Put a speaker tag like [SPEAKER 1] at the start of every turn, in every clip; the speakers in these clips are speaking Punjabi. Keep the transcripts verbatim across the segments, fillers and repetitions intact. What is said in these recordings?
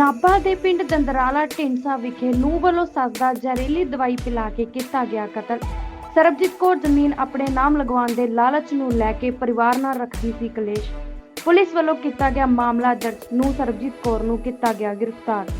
[SPEAKER 1] नाभा के पिंड दंदराला ढिंडसा विखे नूंह वालों सस दा जहरीली दवाई पिला के किया गया कतल। सरबजीत कौर जमीन अपने नाम लगवाने के लालच नूं लैके परिवार नाल रखदी सी कलेश। पुलिस वालों किया गया मामला दर्ज। नूंह सरबजीत कौर नूं किया गया गिरफ्तार।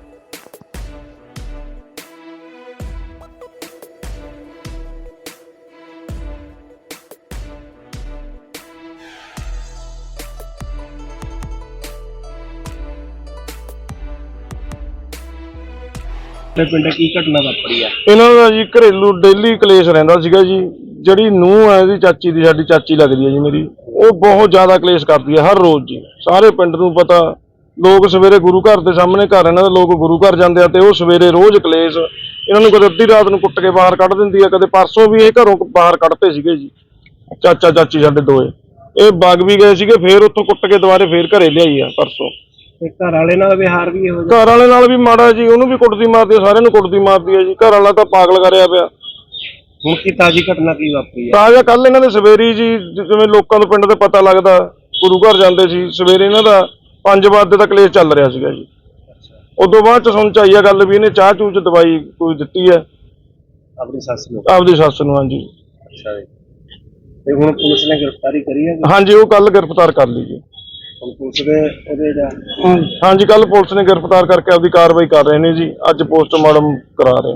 [SPEAKER 2] ਪਿੰਡ ਕੀ ਘਟਨਾ ਵਾਪਰੀ ਆ?
[SPEAKER 3] ਇਹਨਾਂ ਦਾ ਜੀ ਘਰੇਲੂ ਡੇਲੀ ਕਲੇਸ਼ ਰਹਿੰਦਾ ਸੀਗਾ ਜੀ। ਜਿਹੜੀ ਨੂੰਹ ਹੈ ਇਹਦੀ ਚਾਚੀ ਦੀ, ਸਾਡੀ ਚਾਚੀ ਲੱਗਦੀ ਹੈ ਜੀ ਮੇਰੀ, ਉਹ ਬਹੁਤ ਜ਼ਿਆਦਾ ਕਲੇਸ਼ ਕਰਦੀ ਹੈ ਹਰ ਰੋਜ਼ ਜੀ। ਸਾਰੇ ਪਿੰਡ ਨੂੰ ਪਤਾ, ਲੋਕ ਸਵੇਰੇ ਗੁਰੂ ਘਰ ਦੇ ਸਾਹਮਣੇ ਘਰ ਇਹਨਾਂ ਦੇ ਲੋਕ ਗੁਰੂ ਘਰ ਜਾਂਦੇ ਆ ਤੇ ਉਹ ਸਵੇਰੇ ਰੋਜ਼ ਕਲੇਸ਼। ਇਹਨਾਂ ਨੂੰ ਕਦੇ ਅੱਧੀ ਰਾਤ ਨੂੰ ਕੁੱਟ ਕੇ ਬਾਹਰ ਕੱਢ ਦਿੰਦੀ ਆ, ਕਦੇ ਪਰਸੋਂ ਵੀ ਇਹ ਘਰੋਂ ਬਾਹਰ ਕੱਢਤੇ ਸੀਗੇ ਜੀ ਚਾਚਾ ਚਾਚੀ ਸਾਡੇ ਦੋਏ। ਇਹ ਵਗ ਵੀ ਗਏ ਸੀਗੇ, ਫੇਰ ਉੱਥੋਂ ਕੁੱਟ ਕੇ ਦੁਬਾਰੇ ਫੇਰ ਘਰੇ ਲਿਆਈ ਆ ਪਰਸੋਂ।
[SPEAKER 2] ਘਰ ਵਾਲੇ ਨਾਲ ਵਿਹਾਰ ਵੀ ਇਹੋ
[SPEAKER 3] ਘਰ ਵਾਲੇ ਨਾਲ ਵੀ ਮਾੜਾ ਜੀ, ਉਹਨੂੰ ਵੀ ਕੁੱਟਦੀ ਮਾਰਦੀ ਆ, ਸਾਰਿਆਂ ਨੂੰ ਕੁੱਟਦੀ ਮਾਰਦੀ ਆ ਜੀ। ਘਰ ਵਾਲਾ ਤਾਂ ਪਾਗਲ ਕਰਿਆ ਪਿਆ।
[SPEAKER 2] ਹੁਣ ਕੀ ਤਾਜੀ ਘਟਨਾ ਕੀ ਵਾਪਰੀ ਆ?
[SPEAKER 3] ਤਾਜ਼ਾ ਕੱਲ ਇਹਨਾਂ ਦੇ ਸਵੇਰੀ ਜੀ, ਜਿਵੇਂ ਲੋਕਾਂ ਨੂੰ ਪਿੰਡ ਦੇ ਪਤਾ ਲੱਗਦਾ, ਗੁਰੂ ਘਰ ਜਾਂਦੇ ਸੀ ਸਵੇਰੇ, ਇਹਨਾਂ ਦਾ ਪੰਜ ਵਜੇ ਦਾ ਕਲੇਸ਼ ਚੱਲ ਰਿਹਾ ਸੀਗਾ ਜੀ। ਉਦੋਂ ਬਾਅਦ ਚ ਸੁਣ ਚ ਆਈ ਆ ਗੱਲ ਵੀ ਇਹਨੇ ਚਾਹ ਚੂਹ ਚ ਦਵਾਈ ਕੋਈ ਦਿੱਤੀ ਹੈ
[SPEAKER 2] ਆਪਣੀ ਸੱਸ ਨੂੰ।
[SPEAKER 3] ਆਪਦੀ ਸੱਸ ਨੂੰ। ਹਾਂਜੀ।
[SPEAKER 2] ਅੱਛਾ ਜੀ। ਤੇ ਹੁਣ ਪੁਲਿਸ ਨੇ ਗ੍ਰਿਫਤਾਰੀ ਕਰੀ ਹੈ?
[SPEAKER 3] ਹਾਂਜੀ, ਉਹ ਕੱਲ ਗ੍ਰਿਫਤਾਰ ਕਰ ਲਈ ਜੀ।
[SPEAKER 2] ਹੁਣ ਪੁਲਿਸ ਦੇ ਉਹਦੇ ਦਾ
[SPEAKER 3] ਹਾਂਜੀ, ਕੱਲ ਪੁਲਿਸ ਨੇ ਗ੍ਰਿਫਤਾਰ ਕਰਕੇ ਆਪਦੀ ਕਾਰਵਾਈ ਕਰ ਰਹੇ ਨੇ ਜੀ। ਅੱਜ ਪੋਸਟਮਾਰਟਮ ਕਰਾ ਰਹੇ ਆ।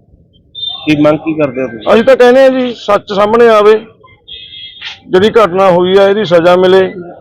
[SPEAKER 2] ਕੀ ਮੰਗ ਕੀ ਕਰਦੇ ਹੋ ਤੁਸੀਂ?
[SPEAKER 3] ਅਸੀਂ ਤਾਂ ਕਹਿੰਦੇ ਆ ਜੀ ਸੱਚ ਸਾਹਮਣੇ ਆਵੇ, ਜਿਹੜੀ ਘਟਨਾ ਹੋਈ ਆ ਇਹਦੀ ਸਜ਼ਾ ਮਿਲੇ।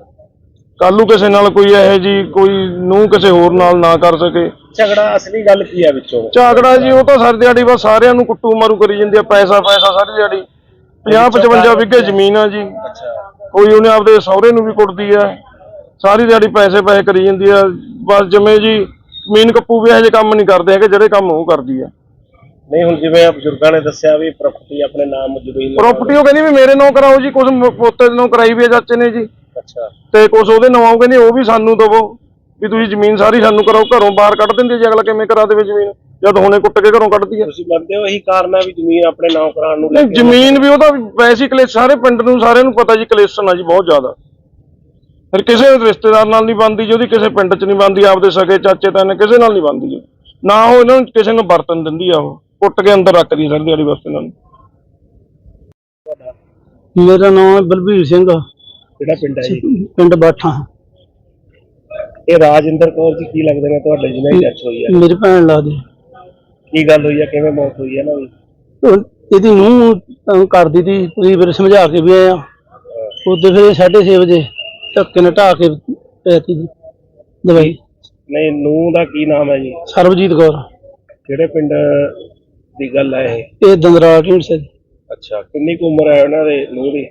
[SPEAKER 3] ਕੱਲ ਨੂੰ ਕਿਸੇ ਨਾਲ ਕੋਈ ਇਹੋ ਜੀ ਕੋਈ ਨੂੰ ਕਿਸੇ ਹੋਰ ਨਾਲ ਨਾ ਕਰ ਸਕੇ।
[SPEAKER 2] ਝਗੜਾ ਅਸਲੀ ਗੱਲ ਕੀ ਆ ਵਿੱਚੋਂ?
[SPEAKER 3] ਝਗੜਾ ਜੀ ਉਹ ਤਾਂ ਸਾਰੀ ਦਿਹਾੜੀ ਬਸ ਸਾਰਿਆਂ ਨੂੰ ਕੁੱਟੂ ਮਾਰੂ ਕਰੀ ਜਾਂਦੀ ਆ, ਪੈਸਾ ਪੈਸਾ ਸਾਰੀ ਦਿਹਾੜੀ। ਪੰਜਾਹ ਪਚਵੰਜਾ ਵਿਗੇ ਜ਼ਮੀਨ ਆ ਜੀ। ਕੋਈ ਉਹਨੇ ਆਪਦੇ ਸਹੁਰੇ ਨੂੰ ਵੀ ਕੁੱਟਦੀ ਆ, ਸਾਰੀ ਦਿਹਾੜੀ ਪੈਸੇ ਪੈਸੇ ਕਰੀ ਜਾਂਦੀ ਆ। ਬਸ ਜਿਵੇਂ ਜੀ ਜ਼ਮੀਨ ਕੱਪੂ ਵੀ ਇਹੋ ਜਿਹੇ ਕੰਮ ਨਹੀਂ ਕਰਦੇ ਹੈਗੇ ਜਿਹੜੇ ਕੰਮ ਉਹ ਕਰਦੀ ਆ।
[SPEAKER 2] ਨਹੀਂ ਹੁਣ ਜਿਵੇਂ ਬਜ਼ੁਰਗਾਂ ਨੇ ਦੱਸਿਆ ਵੀ ਪ੍ਰਾਪਰਟੀ ਆਪਣੇ ਨਾਮ ਜ਼ਮੀਨ
[SPEAKER 3] ਪ੍ਰਾਪਰਟੀ ਉਹ ਕਹਿੰਦੀ ਵੀ ਮੇਰੇ ਨਾਂ ਕਰਾਓ ਜੀ, ਕੁਝ ਪੋਤੇ ਦੇ ਨਾਂ ਕਰਾਈ ਵੀ ਆ ਚਾਚੇ ਨੇ ਜੀ।
[SPEAKER 2] ਅੱਛਾ। ਤੇ
[SPEAKER 3] ਕੁਛ ਉਹਦੇ ਨਾਂ ਕਹਿੰਦੇ ਉਹ ਵੀ ਸਾਨੂੰ ਦਵੋ ਵੀ ਤੁਸੀਂ ਜ਼ਮੀਨ ਸਾਰੀ ਸਾਨੂੰ ਕਰਾਓ। ਘਰੋਂ ਬਾਹਰ ਕੱਢ ਦਿੰਦੇ ਜੀ, ਅਗਲਾ ਕਿਵੇਂ ਕਰਾ ਦੇਵੇ ਜ਼ਮੀਨ ਜਦ ਹੁਣੇ ਕੁੱਟ ਕੇ ਘਰੋਂ ਕੱਢਦੀ ਆ।
[SPEAKER 2] ਤੁਸੀਂ ਮੰਨਦੇ ਹੋ ਇਹੀ ਕਾਰਨ ਹੈ ਵੀ ਜ਼ਮੀਨ ਆਪਣੇ ਨਾਂ ਕਰਾਉਣ ਨੂੰ?
[SPEAKER 3] ਜ਼ਮੀਨ ਵੀ ਉਹਦਾ ਵੈਸੇ ਕਲੇਸ਼, ਸਾਰੇ ਪਿੰਡ ਨੂੰ ਸਾਰਿਆਂ ਨੂੰ ਪਤਾ ਜੀ ਕਲੇਸ਼ਨ ਆ ਜੀ ਬਹੁਤ ਜ਼ਿਆਦਾ। ਫਿਰ ਕਿਸੇ ਰਿਸ਼ਤੇਦਾਰ ਨਾਲ ਨਹੀਂ ਬਣਦੀ ਜੀ ਉਹਦੀ, ਕਿਸੇ ਪਿੰਡ 'ਚ ਨਹੀਂ ਬਣਦੀ, ਆਪਦੇ ਸਕੇ ਚਾਚੇ ਤਾਏ ਕਿਸੇ ਨਾਲ ਨਹੀਂ ਬਣਦੀ ਜੀ। ਨਾ ਉਹ ਇਹਨਾਂ ਨੂੰ ਕਿਸੇ ਨੂੰ ਵਰਤਨ ਦਿੰਦੀ ਆ, ਉਹ ਕੁੱਟ ਕੇ ਅੰਦਰ ਰੱਖਦੀ ਸਾਰੀ ਦਿਹਾੜੀ ਬਸ ਇਹਨਾਂ ਨੂੰ।
[SPEAKER 4] ਮੇਰਾ ਨਾਮ ਹੈ ਬਲਬੀਰ ਸਿੰਘ।
[SPEAKER 2] ਕਿਹੜਾ ਪਿੰਡ ਹੈ ਜੀ?
[SPEAKER 4] ਪਿੰਡ ਬਾਠਾ।
[SPEAKER 2] ਇਹ ਰਾਜਿੰਦਰ ਕੌਰ ਜੀ ਕੀ ਲੱਗਦੇ ਨੇ ਤੁਹਾਡੇ ਜਿਹਨਾਂ ਦੀ ਡੈਥ ਹੋਈ ਹੈ?
[SPEAKER 4] ਮੇਰੀ ਭੈਣ ਲੱਗਦੀ।
[SPEAKER 2] ਕੀ ਗੱਲ ਹੋਈ ਹੈ, ਕਿਵੇਂ ਮੌਤ ਹੋਈ ਹੈ ਨਾ ਦੀ?
[SPEAKER 4] ਇਹਦੀ ਨੂੰਹ ਕਰਦੀ ਤੀ, ਤੁਸੀਂ ਫਿਰ ਸਮਝਾ ਕੇ ਵੀ ਆਏ ਆ। ਉਦੋਂ ਫਿਰ ਸਾਢੇ ਛੇ ਵਜੇ ਧੱਕੇ ਨਾਲ ਢਾਹ ਕੇ ਪੈਤੀ ਜੀ ਦਵਾਈ।
[SPEAKER 2] ਨਹੀਂ, ਨੂੰਹ ਦਾ ਕੀ ਨਾਮ ਹੈ ਜੀ?
[SPEAKER 4] ਸਰਬਜੀਤ ਕੌਰ। ਕਿਹੜੇ
[SPEAKER 2] ਪਿੰਡ ਦੀ ਗੱਲ ਹੈ ਇਹ?
[SPEAKER 4] ਇਹ ਦੰਦਰਾਲਾ ਢੀਂਡਸਾ ਜੀ।
[SPEAKER 2] ਅੱਛਾ। ਕਿੰਨੀ ਕੁ ਉਮਰ ਹੈ ਉਹਨਾਂ ਦੇ ਨੂੰਹ ਦੀ?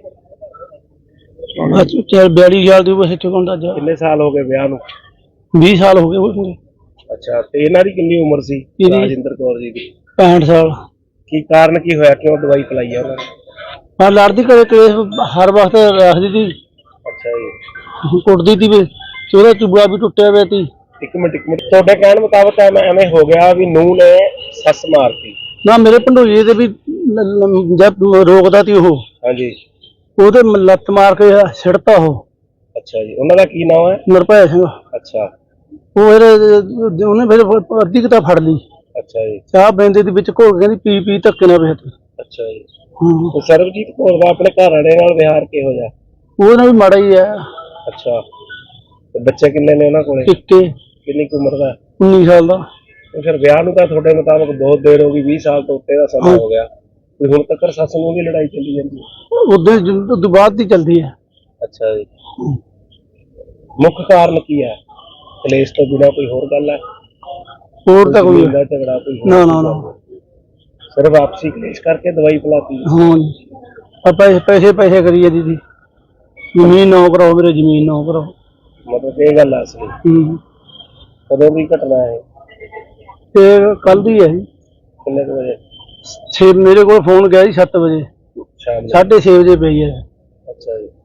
[SPEAKER 4] ਬਿਆਲੀ ਸਾਲ ਦੀ ਬਸ ਇੱਥੇ ਕੋਲ।
[SPEAKER 2] ਕਿੰਨੇ ਸਾਲ ਹੋ ਗਏ ਵਿਆਹ ਨੂੰ?
[SPEAKER 4] ਵੀਹ ਸਾਲ ਹੋ ਗਏ।
[SPEAKER 2] ਅੱਛਾ। ਤੇ ਇਹਨਾਂ ਦੀ ਕਿੰਨੀ ਉਮਰ ਸੀ ਰਾਜਿੰਦਰ ਕੌਰ ਜੀ ਦੀ?
[SPEAKER 4] ਪੈਂਹਠ ਸਾਲ।
[SPEAKER 2] ਕੀ ਕਾਰਨ ਕੀ ਹੋਇਆ, ਕਿਉਂ ਦਵਾਈ ਪਿਲਾਈ ਆ ਉਹਨਾਂ ਨੇ?
[SPEAKER 4] ਹਾਂ, ਲੜਦੀ ਘਰੇ ਕਲੇਸ਼ ਹਰ ਵਕਤ ਰੱਖਦੀ ਤੀ।
[SPEAKER 2] ਅੱਛਾ ਜੀ।
[SPEAKER 4] ਕੁੱਟਦੀ ਤੀ ਵੀ, ਉਹਦਾ ਚੁੱਬੜਾ ਵੀ ਟੁੱਟਿਆ ਪਿਆ ਤੀ।
[SPEAKER 2] ਇੱਕ ਮਿੰਟ ਇੱਕ ਮਿੰਟ ਤੁਹਾਡੇ ਕਹਿਣ ਮੁਤਾਬਕ ਐਵੇਂ ਹੋ ਗਿਆ ਵੀ ਨੂੰਹ ਨੇ ਸੱਸ ਮਾਰਤੀ?
[SPEAKER 4] ਨਾ, ਮੇਰੇ ਭੰਡੋਈਏ ਤੇ ਵੀ ਜਦ ਰੋਕਦਾ ਤੀ ਉਹ।
[SPEAKER 2] ਹਾਂਜੀ।
[SPEAKER 4] ਉਹਦੇ ਲੱਤ ਮਾਰ ਕੇ ਸਿੱਟਤਾ ਉਹ।
[SPEAKER 2] ਅੱਛਾ ਜੀ। ਉਹਨਾਂ ਦਾ ਕੀ ਨਾਮ ਹੈ?
[SPEAKER 4] ਨਿਰਭੈ ਸਿੰਘ।
[SPEAKER 2] ਅੱਛਾ।
[SPEAKER 4] ਉਹ ਫਿਰ ਉਹਨੇ ਫਿਰ ਅੱਧੀ ਕਿਤਾ ਫੜ ਲਈ।
[SPEAKER 2] ਅੱਛਾ ਜੀ।
[SPEAKER 4] ਚਾਹ ਬੈਂਦੇ ਦੇ ਵਿੱਚ ਘੋਲ ਕੇ ਕਹਿੰਦੀ ਪੀ ਪੀ ਧੱਕੇ ਨਾਲ ਵੇਖ।
[SPEAKER 2] ਅੱਛਾ ਜੀ। ਤੇ ਸਰਬਜੀਤ ਕੌਰ ਦਾ ਆਪਣੇ ਘਰ ਵਾਲੇ ਨਾਲ ਵਿਹਾਰ ਕਿਹੋ ਜਿਹਾ?
[SPEAKER 4] ਉਹਦਾ ਵੀ ਮਾੜਾ ਹੀ ਹੈ।
[SPEAKER 2] ਅੱਛਾ। ਤੇ ਬੱਚੇ ਕਿੰਨੇ ਨੇ ਉਹਨਾਂ ਕੋਲੇ?
[SPEAKER 4] ਇੱਕੇ।
[SPEAKER 2] ਕਿੰਨੀ ਕੁ ਉਮਰ ਦਾ?
[SPEAKER 4] ਉੱਨੀ ਸਾਲ ਦਾ।
[SPEAKER 2] ਤੇ ਫਿਰ ਵਿਆਹ ਨੂੰ ਤਾਂ ਤੁਹਾਡੇ ਮੁਤਾਬਕ ਬਹੁਤ ਦੇਰ ਹੋ ਗਈ, ਵੀਹ ਸਾਲ ਤੋਂ ਉੱਤੇ ਦਾ ਸਮਾਂ ਹੋ ਗਿਆ। ਤੇ ਹੁਣ ਤੱਕ ਸੱਸ ਨੂੰ ਵੀ ਲੜਾਈ ਚੱਲੀ ਜਾਂਦੀ ਹੈ?
[SPEAKER 4] ਉਦੋਂ ਉਦੋਂ ਬਾਅਦ ਦੀ ਚੱਲਦੀ ਹੈ।
[SPEAKER 2] ਅੱਛਾ ਜੀ। ਮੁੱਖ ਕਾਰਨ ਕੀ ਹੈ? ਕਲੇਸ਼ ਤੋਂ ਬਿਨਾਂ ਕੋਈ ਹੋਰ ਗੱਲ ਹੈ?
[SPEAKER 4] ਹੋਰ ਤਾਂ ਕੋਈ
[SPEAKER 2] ਝਗੜਾ ਕੋਈ?
[SPEAKER 4] ਨਾ ਨਾ ਨਾ,
[SPEAKER 2] ਸਿਰਫ ਆਪਸੀ ਕਲੇਸ਼ ਕਰਕੇ ਦਵਾਈ ਪਿਲਾਤੀ?
[SPEAKER 4] ਹਾਂ। ਆਪਾਂ ਪੈਸੇ ਪੈਸੇ ਕਰੀਏ ਦੀਦੀ, ਜ਼ਮੀਨ ਨਾ ਕਰਾਓ ਮੇਰੇ, ਜ਼ਮੀਨ ਨਾ ਕਰਾਓ।
[SPEAKER 2] ਮਤਲਬ ਇਹ ਗੱਲ ਆ ਅਸਲੀ?
[SPEAKER 4] ਹੂੰ।
[SPEAKER 2] ਕਦੋਂ ਦੀ ਘਟਨਾ ਹੈ
[SPEAKER 4] ਇਹ? ਕੱਲ ਦੀ ਹੈ ਜੀ।
[SPEAKER 2] ਕਿੰਨੇ ਕੁ ਵਜੇ?
[SPEAKER 4] ਛੇ ਮੇਰੇ ਕੋਲ ਫੋਨ ਗਿਆ ਜੀ ਸੱਤ ਵਜੇ,
[SPEAKER 2] ਸ਼ਾਮ
[SPEAKER 4] ਸਾਢੇ ਛੇ ਵਜੇ ਪਈ ਹੈ।
[SPEAKER 2] ਅੱਛਾ ਜੀ।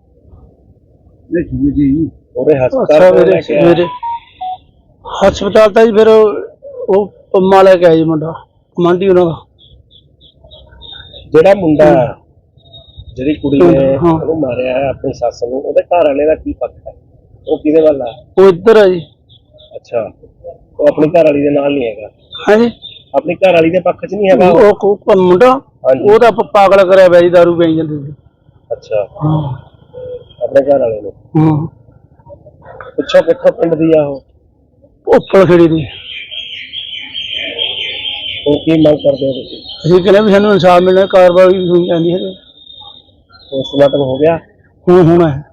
[SPEAKER 2] ਉਹਦੇ
[SPEAKER 4] ਅੱਛਾ। ਮੇਰੇ ਸਵੇਰੇ ਹਸਪਤਾਲ ਤਾਂ ਜੀ ਫਿਰ ਉਹ ਪੰਮਾ ਲੈ ਕੇ ਆਇਆ ਜੀ ਮੁੰਡਾ, ਕਮਾਂਡੀ ਉਹਨਾਂ ਦਾ।
[SPEAKER 2] ਜਿਹੜਾ ਮੁੰਡਾ ਜਿਹੜੀ ਕੁੜੀ ਨੇ ਉਹਨੂੰ ਮਾਰਿਆ ਹੈ ਆਪਣੀ ਸੱਸ ਨੂੰ, ਉਹਦੇ ਘਰ ਵਾਲੇ ਦਾ ਕੀ ਪੱਖ ਹੈ? ਉਹ ਕਿਹਦੇ ਵੱਲ ਆ?
[SPEAKER 4] ਉਹ ਇੱਧਰ ਹੈ ਜੀ।
[SPEAKER 2] ਅੱਛਾ। ਉਹ ਆਪਣੀ ਘਰ ਵਾਲੀ ਦੇ ਨਾਲ ਨਹੀਂ ਹੈਗਾ?
[SPEAKER 4] ਹਾਂਜੀ
[SPEAKER 2] ਆਪਣੀ ਘਰ ਵਾਲੀ ਦੇ ਪੱਖ 'ਚ ਨਹੀਂ ਹੈਗਾ ਉਹ?
[SPEAKER 4] ਉਹ ਕੋ- ਮੁੰਡਾ
[SPEAKER 2] ਹਾਂਜੀ।
[SPEAKER 4] ਉਹ ਤਾਂ ਪ- ਪਾਗਲ ਕਰਿਆ ਪਿਆ ਜੀ, ਦਾਰੂ ਪੀ ਜਾਂਦੇ ਸੀ।
[SPEAKER 2] ਅੱਛਾ,
[SPEAKER 4] ਹਾਂ
[SPEAKER 2] ਆਪਣੇ ਘਰ ਵਾਲੇ ਨੂੰ
[SPEAKER 4] ਹਾਂ
[SPEAKER 2] ਪਿੱਛੋਂ ਕਿੱਥੋਂ ਪਿੰਡ ਦੀ ਆ ਉਹ?
[SPEAKER 4] ਉੱਪਰ ਖੜੀ ਦੀ।
[SPEAKER 2] ਹੁਣ ਕੀ ਮੰਗ ਕਰਦੇ ਹੋ ਤੁਸੀਂ?
[SPEAKER 4] ਅਸੀਂ ਕਹਿੰਦੇ ਵੀ ਸਾਨੂੰ ਇਨਸਾਫ ਮਿਲਣਾ, ਕਾਰਵਾਈ ਹੋਣੀ ਚਾਹੀਦੀ ਹੈ।
[SPEAKER 2] ਪੋਸਟਮਾਰਟਮ ਹੋ ਗਿਆ?
[SPEAKER 4] ਹੁਣ ਹੋਣਾ ਹੈ।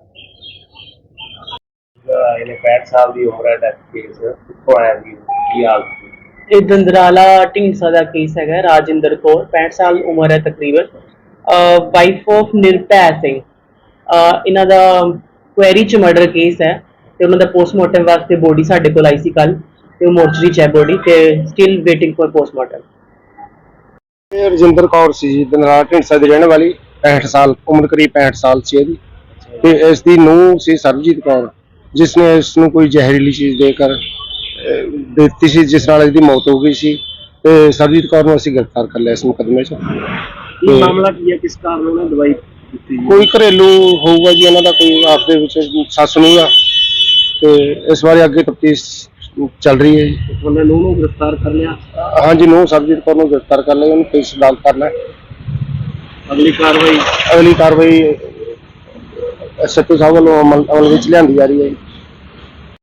[SPEAKER 2] ਇਹਨੇ ਪੈਂਹਠ ਸਾਲ ਦੀ ਉਮਰ ਹੈ, ਡੈਥ ਕੇਸ ਕਿੱਥੋਂ ਆਇਆ ਜੀ, ਕੀ ਹਾਲ ਸੀ?
[SPEAKER 5] ਇਹ ਦੰਦਰਾਲਾ ਢੀਂਡਸਾ ਦਾ ਕੇਸ ਹੈਗਾ। ਰਾਜਿੰਦਰ ਕੌਰ ਪੈਂਹਠ ਸਾਲ ਉਮਰ ਹੈ ਤਕਰੀਬਨ, ਵਾਈਫ ਆਫ ਨਿਰਭੈ ਸਿੰਘ। ਅਹ ਇਹਨਾਂ ਦਾ ਕੁਐਰੀ ਚ ਮਰਡਰ ਕੇਸ ਹੈ ਤੇ ਉਹਨਾਂ ਦਾ ਪੋਸਟਮਾਰਟਮ ਵਾਸਤੇ ਬੋਡੀ ਸਾਡੇ ਕੋਲ ਆਈ ਸੀ ਕੱਲ, ਤੇ ਉਹ ਮੋਰਚਰੀ ਚ ਹੈ ਬੋਡੀ, ਤੇ ਸਟਿਲ ਵੇਟਿੰਗ ਫॉर ਪੋਸਟਮਾਰਟਮ।
[SPEAKER 3] ਇਹ ਰਜਿੰਦਰ ਕੌਰ ਸੀ ਜੀ, ਦਨਰਾਲਾ ਢੀਂਡਸਾ ਦੀ ਰਹਿਣ ਵਾਲੀ, ਪੈਂਹਠ ਸਾਲ ਉਮਰ, ਕਰੀਬ ਪੈਂਹਠ ਸਾਲ ਸੀ ਇਹਦੀ। ਤੇ ਇਸ ਦੀ ਨੂੰਹ ਸੀ ਸਰਬਜੀਤ ਕੌਰ, ਜਿਸ ਨੇ ਇਸ ਨੂੰ ਕੋਈ ਜ਼ਹਿਰੀਲੀ ਚੀਜ਼ ਦੇ ਕਰ ਅਹ, ਦਿੱਤੀ ਸੀ, ਜਿਸ ਨਾਲ ਇਹਦੀ ਮੌਤ ਹੋ ਗਈ ਸੀ। ਤੇ ਸਰਬਜੀਤ ਕੌਰ ਨੂੰ ਅਸੀਂ ਗ੍ਰਿਫਤਾਰ ਕਰ ਲਿਆ ਇਸ ਮੁਕੱਦਮੇ 'ਚ।
[SPEAKER 2] ਕੀ ਮਾਮਲਾ ਕੀ ਹੈ, ਕਿਸ ਕਾਰਨ ਉਹਨੇ ਦਵਾਈ ਦਿੱਤੀ ਜੀ?
[SPEAKER 3] ਕੋਈ ਘਰੇਲੂ ਹੋਊਗਾ ਜੀ ਇਹਨਾਂ ਦਾ, ਕੋਈ ਆਪਸ ਦੇ ਵਿੱਚ ਸੱਸ ਨੂੰ ਆ, ਤੇ ਇਸ ਬਾਰੇ ਅੱਗੇ ਤਫਤੀਸ਼ ਚੱਲ ਰਹੀ ਹੈ ਜੀ।
[SPEAKER 2] ਉਹਨੇ ਨੂੰਹ ਨੂੰ ਗ੍ਰਿਫਤਾਰ ਕਰ ਲਿਆ?
[SPEAKER 3] ਹਾਂਜੀ, ਨੂੰਹ ਸਰਬਜੀਤ ਕੌਰ ਨੂੰ ਗ੍ਰਿਫਤਾਰ ਕਰ ਲਿਆ, ਉਹਨੂੰ ਕੇਸ ਅਦਾਲਤ ਕਰਨਾ।
[SPEAKER 2] ਅਗਲੀ ਕਾਰਵਾਈ
[SPEAKER 3] ਅਗਲੀ ਕਾਰਵਾਈ ਐਸ ਐਚ ਓ ਸਾਹਿਬ ਵੱਲੋਂ ਅਮਲ ਅਮਲ ਵਿੱਚ ਲਿਆਂਦੀ ਜਾ ਰਹੀ ਹੈ ਜੀ।